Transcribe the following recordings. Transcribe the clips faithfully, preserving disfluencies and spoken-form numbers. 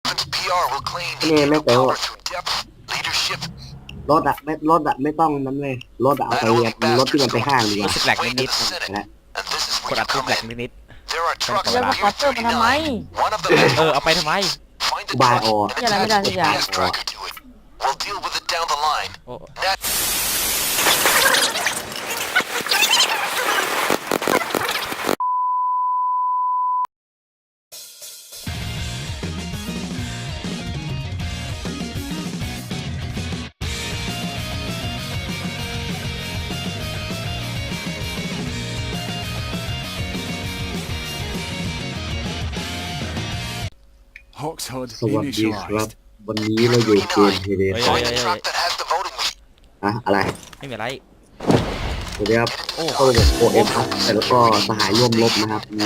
นี่ไม่เต๋อรถอะไม่รถอะไม่ต้องนั้นเลยรถอะเอาไปเรียนรถที่มันไปห้างดีกว่ารู้สึกแหลกนิดนะๆกดอัดทุบแหลกนิดแล้วมาขอเติมมันทำไมๆเออเอาไปทำไมกูบายออนี่อะไรไม่ได้สักอย่างโอ้ Hawkshood สวัสดีครับ initialized. วันนี้เราอยู่เกมเฮเดเฮ้ยคอเฮ้ยเฮ้ยเฮ้ยอะอะไรไม่มีอะไรสวัสดีครับโอ้เข้าระบบ โอ เอฟ ครับแต่แล้วก็สหายร่วมรบนะครับมี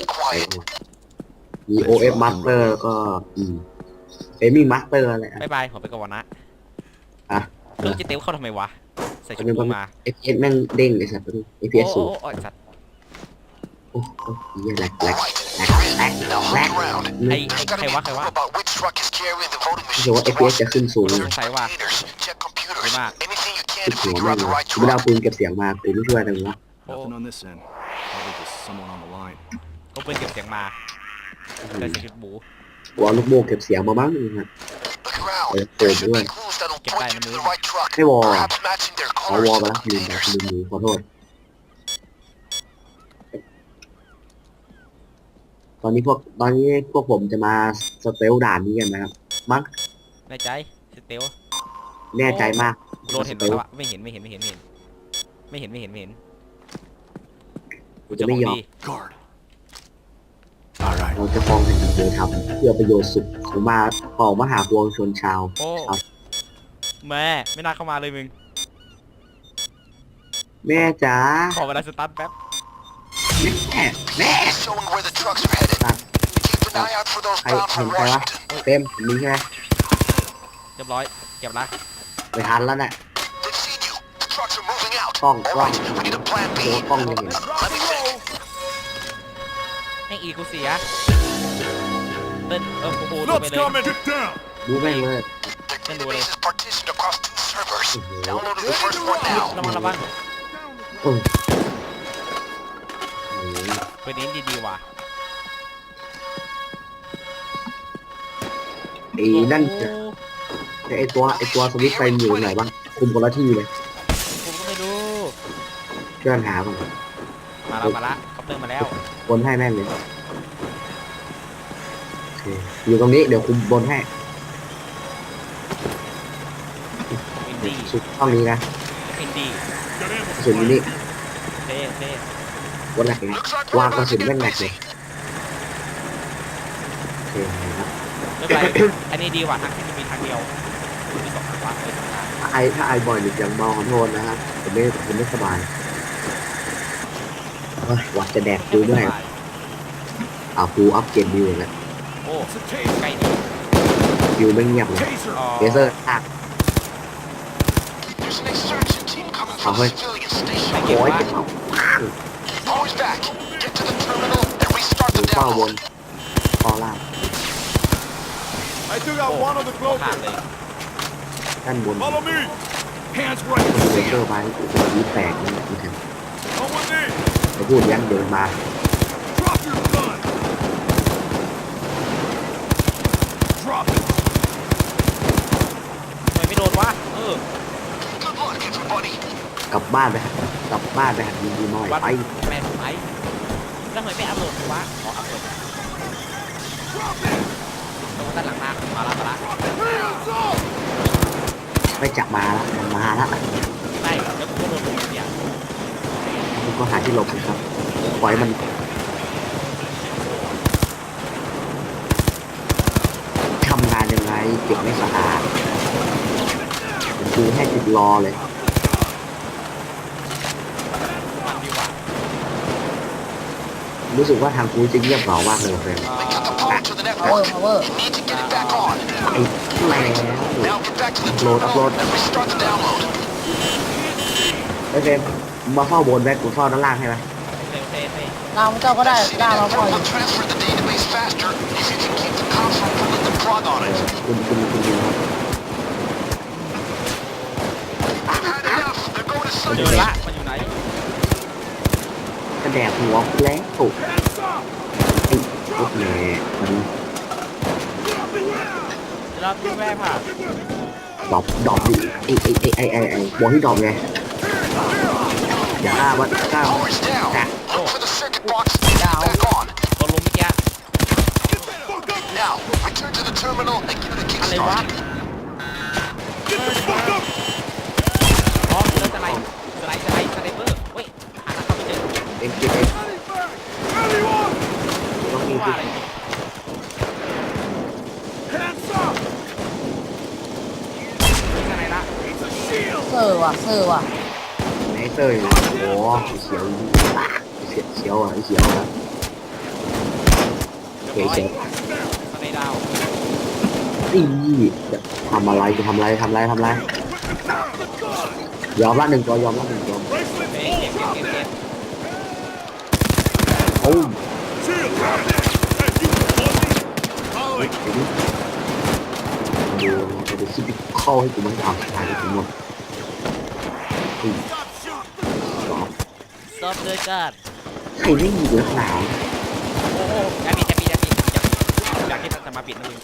มี โอ เอฟ Master แล้วก็อืมเอมิ่ง Master อะไรอะบายบายผมไปก่อนนะอ่ะเรื่องจะเตี้ยวเข้าทำไมวะใส่ชุดเป็นกูมาเอฟพีเอสแม่งเด้งไอ้สัตว์เอฟพีโอ้เอสโอ้สูงโอ้ไอ้สัตว์โอ้โอ้ยแหลกแหลกแหลกแหลกแหลกไอ้ไอ้ใครวะใครวะรู้สึกว่า เอฟพีเอส จะขึ้นสูงเลยใส่ว่าดีมากขึ้นหัวแม่งเลยกูไม่ได้เอาปืนเก็บเสียงมากูไม่ช่วยอะไรวะโอ้ Nothing on this end. Probably just someone on the line. ก็เป็นเก็บเสียงมาใส่ชุดบูกูเอาลูกโม่เก็บเสียงมาบ้างนะฮะเออเติมด้วยเก็บได้นะมึงให้วอลอะขอวอลไปแล้วลืมไปลืมมือขอโทษ ตอนนี้พวกตอนนี้พวกผมจะมาสเตลด่านนี้กันนะครับมั้งแน่ใจสเตียวแน่ใจมากโดนเห็นแล้วอะไม่เห็นไม่เห็นไม่เห็นไม่เห็นไม่เห็นไม่เห็นไม่เห็นกูจะไม่ยอม Guard. All right. เราจะฟ้องแผ่นดินเลยครับเพื่อประโยชน์สุขของมาของมหาปวงชนชาวโอ้แม่ไม่น่าเข้ามาเลยมึงแม่จ๋าขอเวลาสตาร์ทแป๊บแม่แม่ใครเห็นใครวะเต็มมีใช่ไหมเรียบร้อยเก็บละไปทันแล้วน่ะกล้องกล้องตัวกล้องยังเห็นแม่งอีกูเสียเต้นเออโอ้โหดูไป Lots เลย coming. Get down. ดูแม่งเลยเต้นดูเลยโอ้โหระวังระวังเออโอ้โหไปนี้ดีๆว่ะไอ้นั่นจะไอ้ตัวไอ้ตัวสวิตช์ไฟมันอยู่ไหนบ้างคุมคนละที่เลยผมก็ไม่รู้ช่วยกันหาบ้างมาแล้วมาละคอปเตอร์มาแล้วบนให้แม่งเลยโอเคอยู่ตรงนี้เดี๋ยวคุมบนให้อินดี้สุดห้องนี้นะอินดี้กระสุนอยู่นี่เท่เท่วันแรกเลยวางกระสุนแม่งแหลกเลยโอเคครับไม่เป็นไรอันนี้ดีกว่าทางที่มีทางเดียวมีสองทางวะเลยสองทางถ้าไอถ้าไอบ่อยหรืออย่างเมาขอโทษนะครับผมไม่ผมไม่สบายเฮ้ยวัดจะแดกดูด้วยเอากูอัพเกมดิวแล้วโอ้ It's a taser. ใกล้ดีดิวไม่เงียบเลย Taser. อ๋อเลเซอร์อักเอาเฮ้ยไม่เก็บโอ้ยว่าเก็บเอาดูเป้าบนคอล่าง I took out one of the ขาด cloakers. เลยด้านบน Follow me. Hands right. เล See เซอ ya. ร์ไปโอ้โหนี่แตกนี่นะครับ Come with me. จะพูดยันเดินมา Drop your gun. Drop it. ทำไมไม่โดนวะเออกลับบ้านไปหากลับบ้านไปหาดีดีหน่อยวัดไปแม่ทำไมแล้วทำไมไม่อัพโหลดวะขออัพโหลด Drop it. ตรงด้านหลังมามาละมาละ Hands up. ไม่จับมาละมันมาละไม่แล้วกูก็โดนผมเนี่ยคุณก็หาที่หลบนะครับปล่อยมันทำงานยังไงเก็บไม่สะอาดผมดูให้ติดรอเลยมันดีกว่ารู้สึกว่าทางกูจะเงียบเหงามากเลยเฟรมเอ่อ power power ไอ้แม่โหลดอัพโหลดไอ้เฟรมมาเฝ้าบนแบ็คกูเฝ้าด้านล่างให้ไหมเร็วเท่เท่ดาวเจ้าก็ได้ดาวเราปล่อย Frog on it. คุณคุณคุณดูครับ I've had enough. They're going to เจ Sunday. อละมันอยู่ไหนกระแดกหัวแล้วตุก Hands up! ไอ้พวกแม่มัน Drop it! เราดูแม่ผ่านดรอปดรอปดิไอ้ไอ้ไอ้ไอ้ไอ้ไอ้บอกที่ดรอปไงอย่าฆ่ามันฆ่ามัน Power's down. Yeah. Look for the circuit box and get it back on. ตัวลุมเมื่อกี้ Get the fuck up! Now, return to the terminal and give it a อะไรวะ kickstart. Get the fuck up! อ๋อเจอสไลด์สไลด์สไลด์สไลเปอร์เว้ยหาทางเข้าไปเจอเอ็มเอ็มเอ็ม Anyone! ต้องมีว่าอะไร Hands up! มีสไลด์ละ It's a shield! เซอร์ว่ะเซอร์ว่ะไนเตอร์อยู่โอ้โหเสียวอ่ะเสียวเสียวอ่ะเสียวอ่ะเรียบเสียวร้อยเสียวสไลด์ดาวอีจะทำอะไรจะทำอะไรทำอะไรทำอะไรยอมละหนึ่งตัวยอมละหนึ่งตัว Bracelet เฮ้ย full! เก็บเก็บ Drop เก็บเก็ it! บโอ้ย Shield! Drop it! Hey, you pussy! Holly! เดี๋ยวนี้ดูจะไปคิดเข้าให้กูมันเอาชายกูหมดอี Stop shooting! สองซอฟต์ด้วยกันใครไม่มีลักหนาวโอ้โหจะมีจะมีจะมีอยากที่จะมาปิดนะมึง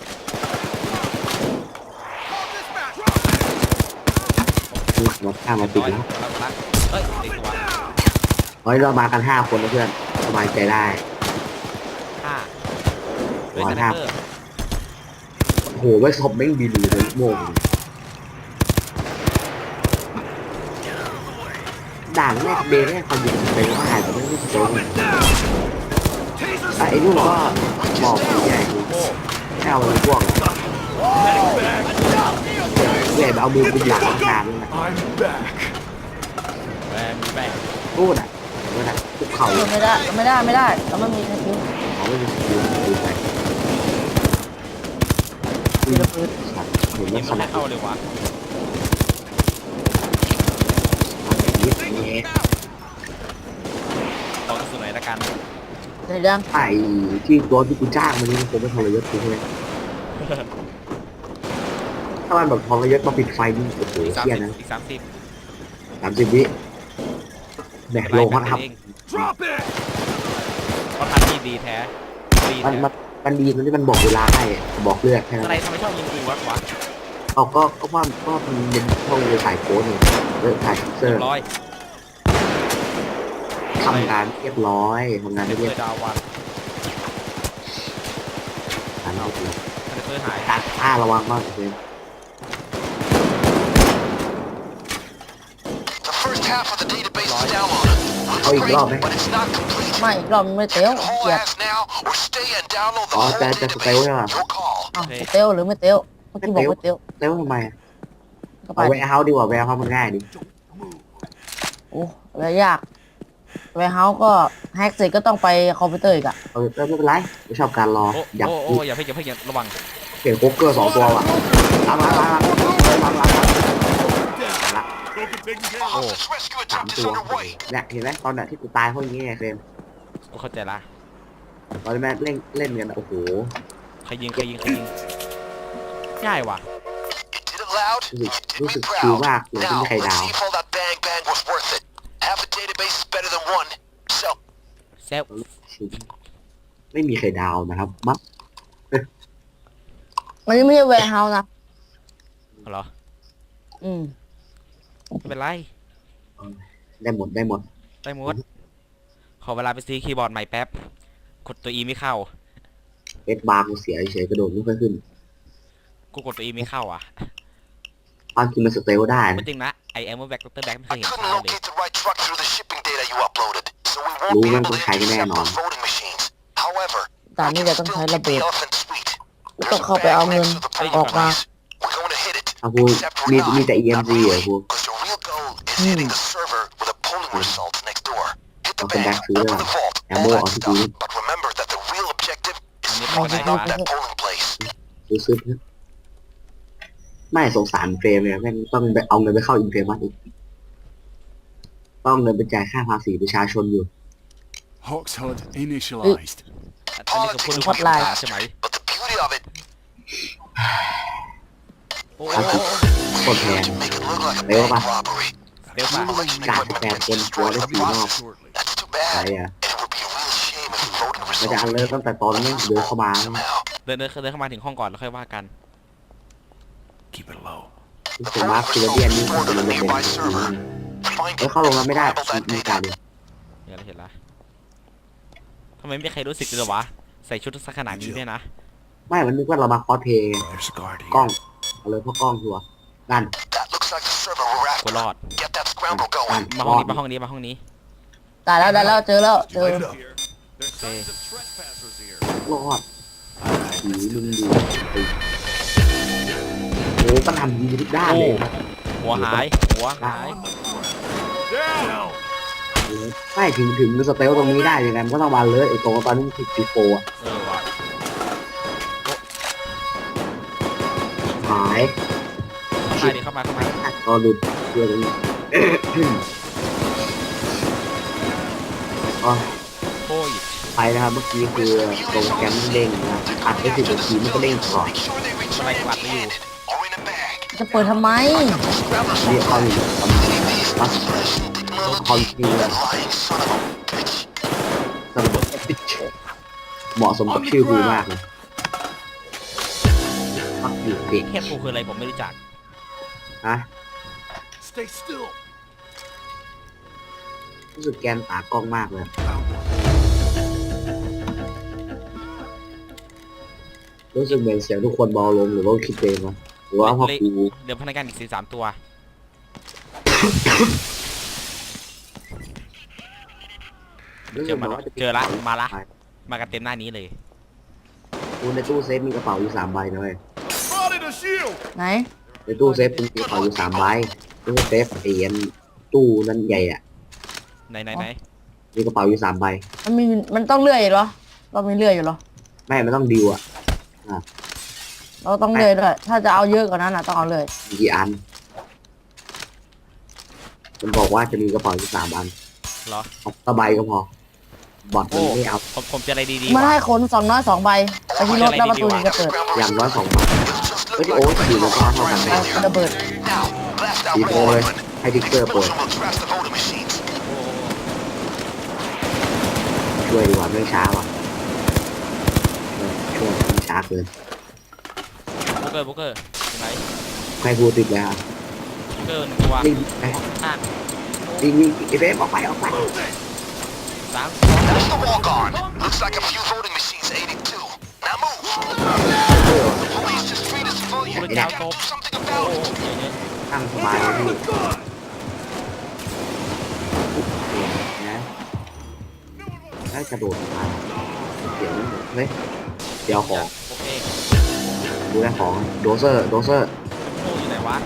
หลักมาข้ามมาติดร้อยแล้วแล้วละเฮ้ยติดตัวเฮ้ยเรามากันห้าคนนะเพื่อนสบายใจได้ห้าด้วยสไนเปอร์โอ้โหไว้ศพแม่งบินอยู่เลยโม่งด่านแรกเบรแรกความยิงเป็นว่าหายแต่ไม่รู้จะเจอไง Taser แต่ไอ้ลูกก็บอกใหญ่ดูแค่เอาไปพวก back! ใหญ่แบบเอามือกุมหลังนานเลยนะ I'm back! แบงแบงพูดอ่ะพูดอ่ะคุกเข่าเออไม่ได้ไม่ได้ไม่ได้เราไม่มีสกิลเขาไม่มีสกิลดูไปมีระเบิดเห็นยิว่าง ขมันนาไม่ดเข้าเลยวะนี้นี้ลองสุดไหนละกันในเรื่องไอ้ที่ตัวที่กูจ้างมันนี่ผมไม่ทรยศกูใช่ไหมถ้ามันแบบทรยศมาปิดไฟนี่โอ้โหอีกสามเที่ยสิบนะอีกสามสิบสามสิบวิแบกลงเขาท Drop it! เพราะทันที่ดีแท้ดีำมันแท้มันมันดีตรงที่มันบอกเวลาให้บอกเลือกแค่อะนั้นไรทำไมชอบยิงกูวะวะเอาก็ก็ว่าก็มันเป็นช่องเลยสายโค้ดนี่เลือกสายเซอเรียร์บร้อยทำงานเรียบร้อยทำงานเรีเรียยบบ ร้อยดาววันทำเรียบร้อยคอนเตอร์หายตัดผ้าระวังมากเลย The first half of the database is downloaded. Oh, you Looks got me. great, but it's not complete. ไม่อีกรอบไม่เตี้ยว The whole เกลียด ass now, or stay and download the Oh, whole that- that's okay, database. yeah. Your call. อ้าวเตี้ยวหรือไม่เตี้ยวเมื่อกี้บอกว่าเตี้ยวแล้วทำไมอะก็ไปเอาแวร์เฮาส์ดีกว่าแวร์เฮาส์มันง่ายดิโอ้แล้วยากไวเฮาส์ก็แฮกเสร็จก็ต้องไปคอมพิวเตอร์อีกอะเออไม่เป็นไรไม่ชอบการรอโอ้อยากโอ้โอ้อย่าเพิ่งอย่าเพิ่งอย่าระวังเปลี่ยนโคุกเกอร์สองตัวว่ะล้างล้างล้างล้างล้างล้างล้างล้าง Don't get taken care A of. hostage rescue สาม attempt ตั is ว underway. เนี่ยเห็นไหมตอนน่ะที่กูตายเพราะอย่างงี้ไงเครมกูเข้าใจละตอนที่แม่งเล่นเล่นกันอะโอ้โหใครยิงใครยิงใครยิงง่ายว่ะ You did it loud. รู้สึก You did รู้ me สึกชิล proud. มากเลยที่ Now, มีใคร let's ดาว see if all that bang bang was worth it. Half a database is better than one. So, เซฟไม่มีใครดาวนะครับมัดอันนี้ไม่ใช่แวร์เฮาส์นะเหรออืมไม่เป็นไรได้หมดได้หมดได้หมดขอเวลาไปซื้อคีย์บอร์ดใหม่แป๊บกดตัว E ไม่เข้าเอสบาร์กูเสียเฉยๆกระโดดไม่ค่อยขึ้นกูกดตัว E ไม่เข้าอ่ะความจริงมันสเตลได้ไม่นะจริงนะไอแอมเมอร์แบ็กดรแบ็กไม่เค I ยเห็น couldn't ใช้เลย locate the right truck through the shipping data you uploaded, so we won't Lũ be đang able còn to chạy cái này intercept nọ. those voting machines. However, ด่าน we นี้ can จะต้อง still ใช้ keep ระเบิ the ด elephant sweet. ต้ There's อง a เข้าไป bag เอาเงิน next to the เฮ้ยออกมา place. We're going to hit it. เอากู Except มี we're มี not. แต่ อี เอ็ม Not ซี เหรอ really, กู because the real goal is hitting the server with the polling results next door. Hit the I'll come bag, back to you open later. the vault, And all more that on stuff. you. But remember that the real objective is And to you find put out it that on. polling place. ซื้อซื้อไม่สงสารเฟรมเลยแม่งต้องไปเอาเงินไปเข้าอินเฟรมัสอีกต้องเงินไปจ่ายค่าภาษีประชาชนอยู่ Hawk's H U D initialized. อันนี้คือพูดถึงฮอตไลน์ใช่ไหม But the beauty of it โอ้โหโคตรแพง To make it look like a Đấy bank ba. robbery. เร็วป่ะ Collection Cả equipment bè gets quân destroyed của in the nó process. Shortly. That's too ใช่ bad. อะ And it would be a real shame if voting มันจะ results อันเลิศตั้งแต่ตอนนั้นเดินเข้ามา somehow. เดินเดินเดินเข้ามาถึงห้องก่อนแล้วค่อยว่ากัน Keep it low. ที่ The เป็นมาร์ค voting ฟิลเดียน results นี่ก็ stored จะ on มั a นจะเป็น nearby server. Find เออเข้าลงแล้วไม่ได้ Scramble that มี data. การดิเห็นแล้วเห็นแล้วทำไมไม่มีใครรู้สึกเลยเหรอวะใส่ชุดสักขนาดนี้เนี่ยนะไม่มันนึกว่าเรามาคอสเพลย์ไง There's a guard กล้อง here. เอาเลยเพราะกล้องชัวร์นั่น That looks like the server we're กู after. รอด Get that scramble นั่น going. มาห้องนี้มาห้องนี้มาห้องนี้ได้แล้วได้แล้วเจอแล้วเจอ Light it up. There's signs of trespassers here. รอดผีมึงดูโอ้ก็ทำดีทุกด้านเลยนะหัวหายหัวหาย Down. ไม่ถึงถึงสเตลตรงนี้ได้ยังไงมันก็ต้องมาเลยไอ้ตรงตอนนี้มันติดซีโฟอ่ะเออว่ะหายเข้ามาดิเข้ามาเข้ามาก็หลุดเชื่อตรงนี้ก็โอ้ยไปนะครับเมื่อกี้คือตรงแกมเด้งนะอัดไปสิบนาทีมันก็เด้งก่อน Make sure they return empty-handed or in a bag. จะเปิดทำไม Scramblers เรียก will เขา find อยู่ it. ประมาณ Leave these วัด expression technology. คอนฟิว That lying son of a bitch. สำหรับเหมาะสมกับชื่อกูมากเลยฟักอยู่เด็กเทพกูคืออะไรผมไม่รู้จักนะ Stay still. รู้สึกแกนตากล้องมากเลยรู้สึกเหมือนเสียงทุกคนเบาลงหรือว่าคิดเองวะหรือว่าเพราะกูเดี๋ยวพนักงานอีกสี่สามตัวรู้เจสึอกเหมืมาอนว่าจะเจอละมาละมากันเต็มหน้านี้เลยกูในตู้เซฟมีกระเป๋าอยู่สามใบนะเว้ย Spotted a shield. ไหนในตู้เซฟมีกระเป๋าอยู่สามใบตู้เซฟเอียนตู้นั้นใหญ่อะไหนไหนไหนมีกระเป๋าอยู่สามใบมันมีมันต้องเลื่อยเหรอเรามีเลื่อยอยู่เหรอไม่มันต้องดิวอะเราต้องเลื่อยด้วย ถ้าจะเอาเยอะกว่านั้นอ่ะต้องเอาเลื่อยมีกี่อัน มันบอกว่าจะมีกระเป๋าอยู่สามอันเหรอเอาตะใบก็พอ บอทมันไม่เอาผมผมเจออะไรดีมันๆให้วะขนสองน้อยสองใบไปที่รถแล้วประตูถึงจะเปิดอย่างน้อยสองใบ Just เฮ้ย look โอ้ like สี่แล้วก็เท่ากันไประเบิด now. Blast that สี่โปร wall เลย open. ให้ดิกเกอร์โปรย Milton will trash the voting machines. โอ้โหช่วยดีกว่าไม่ช้าว่ะเออช่วยไม่ช้าเกินโบเกอร์โบเกอร์อยู่ไหนใครกูติดแล้วโบเกอร์หนึ่งตัววิ่งไปห้าวิ่งวิ่งไอ้เฟฟออกไปออกไปสาม That's the wall gone. Looks like a few voting machines ate it too. Now move. The police just treat us civilian. Put it You down, gotta Bob. do something โอ้ about โห it. เยอะเยอะตั้งสบายเลยพี่นะแล้วกระโดดมาเดี๋ยวเฮ้ยเดี๋ยวของโอเคดูแลของโดเซอร์โดเซอร์โอ้อยู่ไหนวะ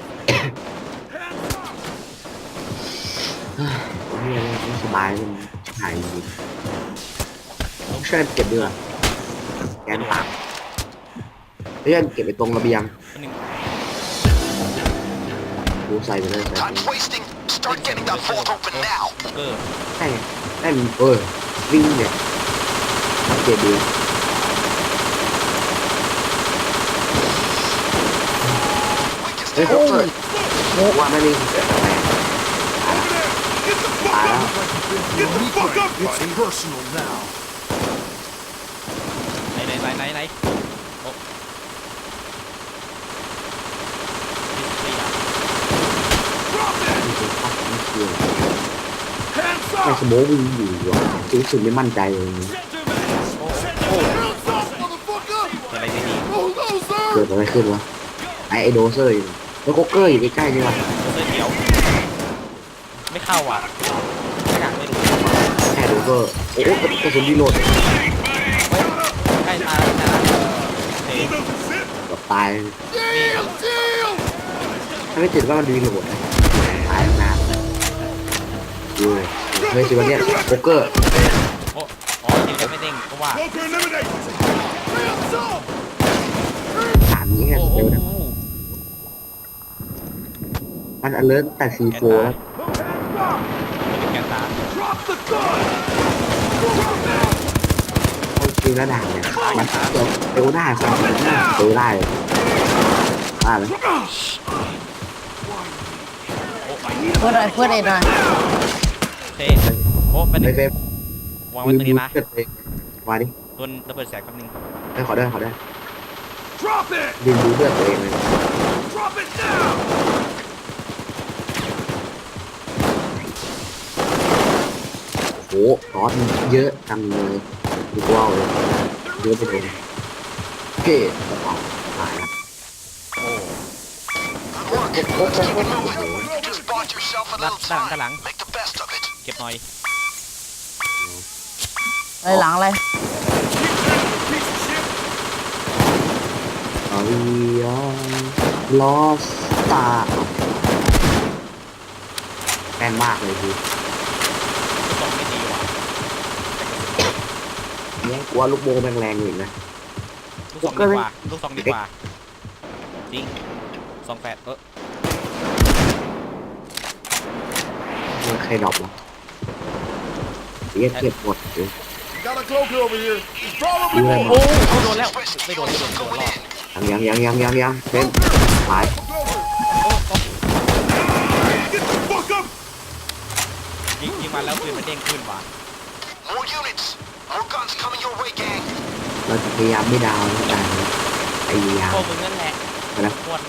นี่อะไรไม่สบายมันหายจริงต้องช่วยเก็บด้วยแกนปากเพื่อนเก็บไปตรงระเบียงอันหนึ่งดูใส่ไปเลยใส่ไป Time's wasting. Start getting that vault open now. โบเกอร์ใช่ได้มันเออวิ่งเนี่ยเก็บดีเฮ้ยโอ้ยว่าไม่มีเกิดอะไร Get the fuck up, buddy. It's personal now. ไหนไหนไหนไหนไหนโอ้ดิสเพย์อะ Drop it. ไม่เป็นภาพไม่เชื่อ Hands ไอ้ up. สโมกวิ่งอยู่ว่ะรู้สึกไม่มั่นใจเลย Gentlemen. Hands up, motherfucker. เจออะไรดี Bulldozer. เกิดอะไรขึ้นวะไอ้ไอโดเซอร์อยู่แล้วโคเกอร์อยู่ใกล้ๆนี่วะๆโบเกอร์เขียวไม่เข้าอ่ะไม่อยากไม่รู้แค่โดเซอร์โอ้โหกระสุนดีโหลดใกล้ตายแล้วนะเฮ้ยแบบตายนี่ถ้าไม่ติดว่ามันดีโหลดตายตั้งนานดูเลยเฮ้ยสิวันเนี้ยโคเกอร์โอ้อ๋อยิงแล้วไม่เด้งก็ว่า Smoker eliminate. Hands up. ถามนี้แค่โอ้สโหเตลนะมันอเลิร์แต่ซีโฟแล้วแกนตา Drop the gun. โอเคริงแล้วด่างเนี่ยมันเติมเร็วได้ความเร็วได้เร็วได้เลยได้ไหมเพื่อนอะไรเพื่อนเอ็นหน่อยเท่โอ้เป็นหไม่นึ่งเฟรมวางไว้ตรงนี้นะเกิดเองมาดิโดนระเบิดแสงแป๊บนึงได้ขอได้ขอได้ Drop it! ดินดูเลือดตัวเองเลย Drop it now! โอ้โหซอสมันเยอะจังเลยดูกว้าวเลยเยอะไปเลยโอเคเอาตายละโอ้ Good work. Keep it moving. You just bought yourself a ด้าน little ด้านด้านหลัง time. Make the best of it. เก็บหน่อยอะไรหลังอะไร Piece of shit! เอาอย่าลอสตาแม่นมากเลยคือลูกซองไม่ดีว่ะเนี่ยกลัวลูกโบแม่งแรงอยู่นะลูกซองดีกว่าลูกซองดีกว่าจริงซองแฟดเออมันใครดรอปวะเรียกเก็บหมดเลย Got a cloaker over here. He's probably ดูอะไร more. โอ้เขาโดนแล้วไม่โดนไม่โดนโดนรอดยังยังยังยังยังเป็นหาย Get the fuck up! ยิงยิงมาแล้วปืนมันเด้งขึ้นว่ะ More units. More guns coming your way, gang. เราจะพยายามไม่ดาวน์นะแต่พยายามพวกมึงนั่นแหละนะควร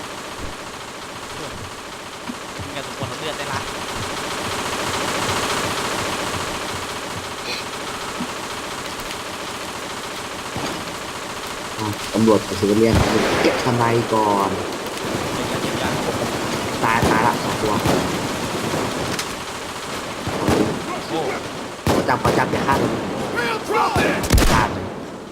มึงอย่าสมควรเอาเลือดได้ละอ่ะตำรวจกับซิวิเลียนเก็บทนายก่อนเจ็บยังเจ็บยังตายตายละสองตัวโอ้ขอจับขอจับอย่าฆ่ามัน Real drop it! ฆ่ามัน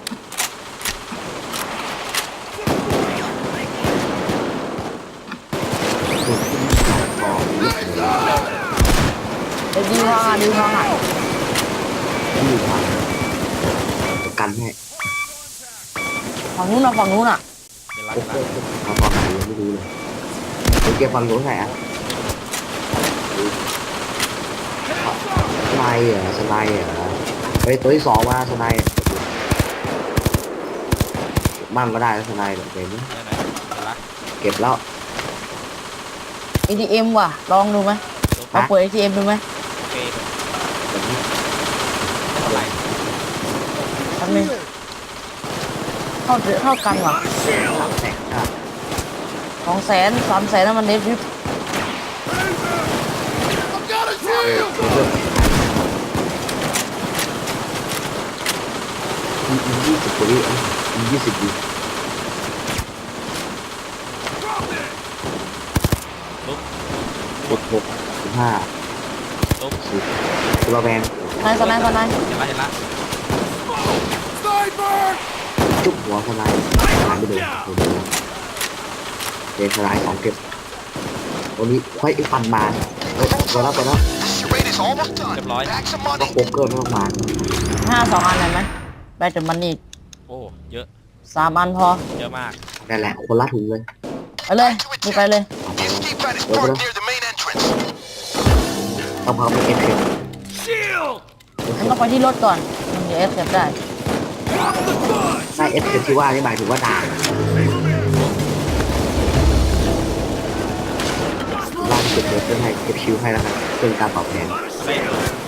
ถูกที่มันขายของนี่เลยเดี๋ยวดีวางอ่ะดีวางอ่ะที่อยู่ทางประกันให้ฝั่งนู้นอ่ะฝั่งนู้นอ่ะเดี๋ยวรักโอ้โหละเอาตอนไหนยังไม่รู้เลยเดี๋ยวเก็บฟังรู้ไหนอ่ะสไลด์เหรอสไลด์เหรอเฮ้ยตัวที่สองมาสไลด์มั่งก็ได้นะสไลด์เดี๋ยวนี้ไหนไหนเดี๋ยวรักเก็บแล้วเอ ที เอ็ม ว่ะลองดูไหมลองเปิด เอ ที เอ็ม ดูไหมโอเคแบบนี้ไม่เป็นไรแป๊บนึงเท่าเท่ากันว่ะสามแสนอ่ะสองแสนสามแสนนั่นมันเดฟริป I've got a เออ drill! เพิ่มอีกยี่สิบกว่าวิอ่ะอีกยี่สิบวิ Drop it! ลุกกดหกสิบห้าลุกสิบตัวแบงนายสนายสนายเห็นละเห็นละ Sniper! จุ๊บหัวสไลด์หายไปเลยโอ้โหเดนสไลด์สองเก็บวันนี้ค่อยไอ้ฟันมาเฮ้ยไปแล้วไปแล้ว This charade is almost done. Good boy. Back some ก็ money. โคเกอร์ไม่ต้องมาห้าสองอันเห็นไหมแบตเตอร์มันนี่โอ้เยอะสามอันพอเยอะมากนั่นแหละคนละถุงเลยไปเลยมีไปเลยเอาไป The เลย escape pad is parked near the main entrance. ต้องพาไปเก็บเก็บ Shield! มันต้องไปที่รถก่อนมันจะเอฟเก็บได้ Drop the gun! ใช่เอฟเก็บที่ว่านี่หมายถึงว่าด่างล่างเก็บเก็บเพื่อให้เก็บชิวให้แล้วกันเพื่อการตอบแทนเฮ้ย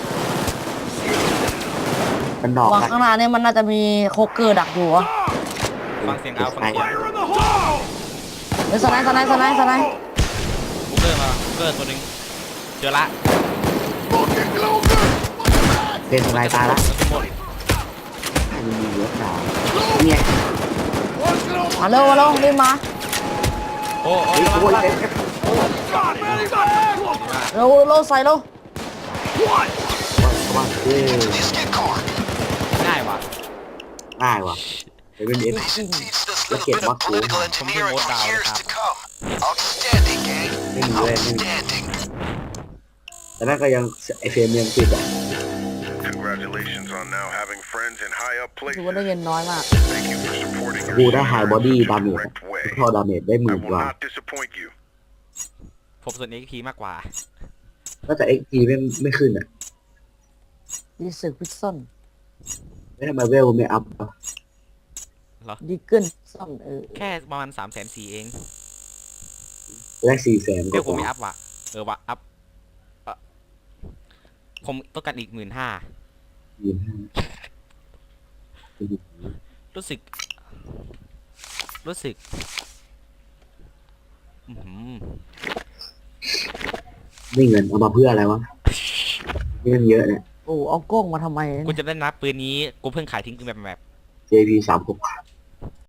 มันดอกวางกันข้างหน้าเนี่ยมันน่าจะมีโคเกอร์ดักอยู่วะฟังเสียงเอาฟังเสียง Fire in the hole! เฮ้ยสไนด์สไนด์สไนด์สไนด์บุกเกอร์มาบุกเกอร์ตัวหนึ่งเจอละ Fucking cloaker! เล่นสไลด์ตายละทั้งหมดให้มันมีเยอะดาวเนี่ย One cloaker! มาเร็วมาเร็วรีบมาโอ้โอ้เฮ้ยระโอ้วัยงระวังเอฟเอฟ God, man, he's got that cloaker! เร็วเร็วใส่เร็ว What? ว่าเออ The escape car. ง่ายว่ะง่ายว่ะเดี๋ยวเป็นเอฟ They should teach this Let's little get bit of Buck political Rose. engineering for Something more years down, to come. Outstanding, gang. ไม่มีเลยไม่มี Outstanding. แต่นั่นก็ยังไอเฟรมยังติดอ่ะ Congratulations on now having friends in high up ถือ places. ว่าได้เงินน้อยมาก Thank you for supporting กู your ได้ไฮ senior บอดี้ in ดา the เมจ correct way. พอดาเมจได้ห I มื่น will กว่า not disappoint you. ผมส่วน เอ็กซ์ พี มากกว่าก็แต่เอ็กซ์ทีไม่ไม่ขึ้นอ่ะดีสึกพิซซ่อนไม่ทำไมเวลไม่อัพอ่ะดีเกิลซ่อมเออแค่ประมาณสามแสนสี่เองแรกสี่แสนเรียกผมไม่อัพว่ะเออว่ะอัพเอ่อผมต้องการอีกหมื่นห้ายืนห้ารู้สึก รู้สึกอือหือนี่เงินเอามาเพื่ออะไรวะเงินเยอะเนี่ยโอ้เอากล้องมาทำไมกูจะได้นับปืนนี้กูเพิ่งขายทิ้งกูแบบแบบเจ พี สามหก